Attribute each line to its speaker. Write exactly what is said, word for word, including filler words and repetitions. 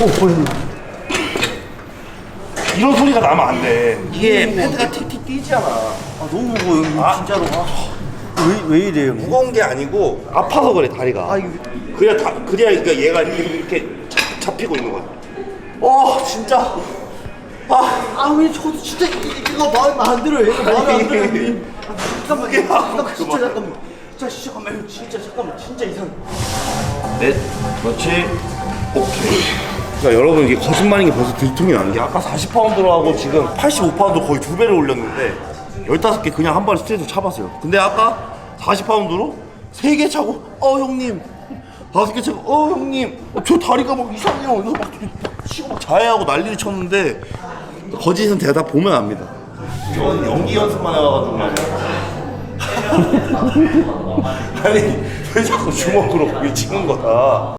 Speaker 1: 형님.
Speaker 2: 이런 소리가 나면 안 돼. 이게 패드가 틱틱 뛰잖아.
Speaker 1: 아 너무 무거워 형님.
Speaker 2: 아.
Speaker 1: 진짜로. 왜, 왜 이래요 형님?
Speaker 2: 무거운 게 아니고 아파서 그래 다리가.
Speaker 1: 아 이거.
Speaker 2: 그래야 다 그래야 그러니까 얘가 이렇게, 이렇게 잡- 잡히고 있는 거야.
Speaker 1: 어 진짜. 아아왜 저도 진짜 이- 이거 마음에 안 들어요. 얘가 마음에 안 들어요 형님. 아, 잠깐만
Speaker 2: 그게 하고
Speaker 1: 잠깐만 진짜
Speaker 2: 그만.
Speaker 1: 잠깐만. 자 진짜 잠깐만 진짜 잠깐만 진짜 이상.
Speaker 2: 넷, 그렇지. 오케이. 그러니까 여러분 이게 거짓말인 게 벌써 들통이 나는 게 아까 사십 파운드로 하고 지금 팔십오 파운드 거의 두 배를 올렸는데 열다섯 개 그냥 한 번에 스트레이트 차봤어요. 근데 아까 사십 파운드로 세 개 차고 어 형님 다섯 개 차고 어 형님 어, 저 다리가 막 이상해요. 그래서 막 치고 막 자해하고 난리를 쳤는데 거짓은 대답 보면 압니다. 이건 연기 연습만 해와가지고 말이야. 아니 왜 자꾸 주먹으로 거기 치는 거다.